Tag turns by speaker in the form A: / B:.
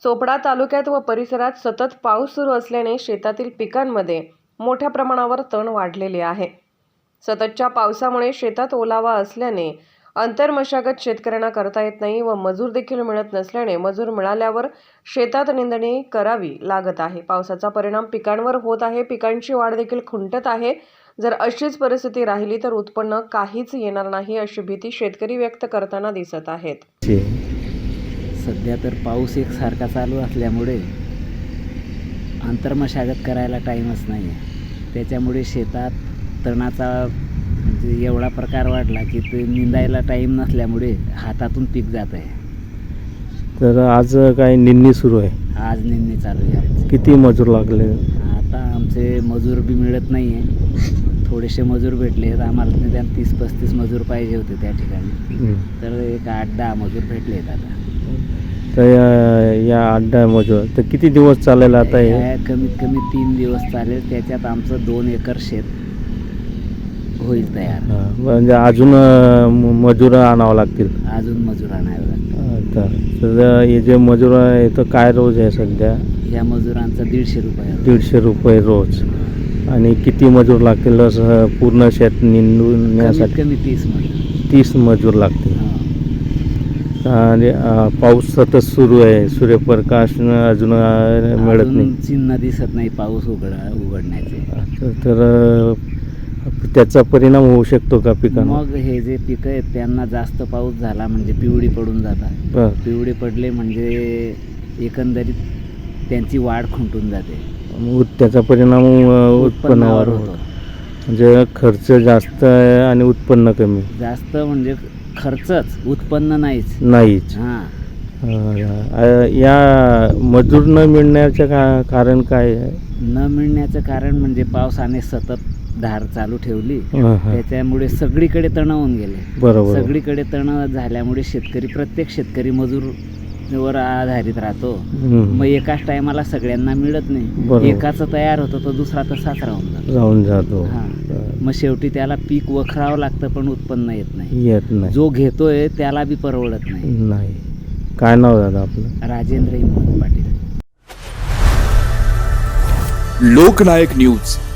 A: चोपडा तालुक्यात व परिसरात सतत पाऊस सुरू असल्याने शेतातील पिकांमध्ये मोठ्या प्रमाणावर तण वाढलेले आहे. सततच्या पावसामुळे शेतात ओलावा असल्याने अंतरमशागत शेतकऱ्यांना करता येत नाही व मजूर देखील मिळत नसल्याने मजूर मिळाल्यावर शेतात निंदणी करावी लागत आहे. पावसाचा परिणाम पिकांवर होत आहे. पिकांची वाढ देखील खुंटत आहे. जर अशीच परिस्थिती राहिली तर उत्पन्न काहीच येणार नाही अशी भीती शेतकरी व्यक्त करताना दिसत आहेत.
B: सध्या तर पाऊस एकसारखा चालू असल्यामुळे अंतर्मशागत करायला टाईमच नाही आहे. त्याच्यामुळे शेतात तणाचा म्हणजे एवढा प्रकार वाढला की ते निंदायला टाईम नसल्यामुळे हातातून पीक जात आहे.
C: तर आज काय निंदणी सुरू आहे?
B: आज निंदणी चालू आहे.
C: किती मजूर लागले?
B: आता आमचे मजूर बी मिळत नाही आहे. थोडेसे मजूर भेटले. आम्हाला निदान 30-35 मजूर पाहिजे होते त्या ठिकाणी. तर एक 8-10 मजूर भेटले आहेत आता.
C: तर या 8-10 मजूर तर किती दिवस चालेल आता हे?
B: कमीत कमी 3 दिवस चालेल. त्याच्यात आमचं 2 एकर शेत होईल तयार.
C: म्हणजे अजून मजूर आणावं लागतील?
B: अजून मजूर आणावे लागतील.
C: तर हे जे मजूर आहे तर काय रोज आहे सध्या?
B: या मजुरांचा 150 रुपये.
C: 150 रुपये रोज. आणि किती मजूर लागतील असं पूर्ण शेत निंदण्यासाठी?
B: कमी 30 मजूर.
C: 30 मजूर लागतील. आणि पाऊस सतत सुरू आहे. सूर्यप्रकाश अजून मिळत नाही.
B: चिन्ह दिसत नाही पाऊस उघडण्याचे.
C: तर त्याचा परिणाम होऊ शकतो का पिकांना?
B: मग हे जे पिकं आहेत त्यांना जास्त पाऊस झाला म्हणजे पिवळी पडून जातात. पिवळी पडले म्हणजे एकंदरीत त्यांची वाढ खुंटून जाते.
C: त्याचा परिणाम उत्पन्नावर होतो. म्हणजे खर्च जास्त आहे आणि उत्पन्न कमी.
B: जास्त म्हणजे खर्चच, उत्पन्न
C: नाहीच. या मजूर न मिळण्याचं कारण काय आहे?
B: न मिळण्याचं कारण म्हणजे पावसाने सतत धार चालू ठेवली. त्याच्यामुळे सगळीकडे तण होऊन गेले.
C: बरोबर.
B: सगळीकडे तण झाल्यामुळे प्रत्येक शेतकरी मजूर वर आधारित राहतो. मग एकाच टायमाला सगळ्यांना मिळत नाही. एकाचं तयार होतं तर दुसरा तसाच राहून जातो. मग शेवटी त्याला पीक वखरावं लागतं पण उत्पन्न येत नाही. जो घेतोय त्याला बी परवडत नाही.
C: काय नाव दादा आपलं?
B: राजेंद्र हिम्मत पाटील.
D: लोकनायक न्यूज.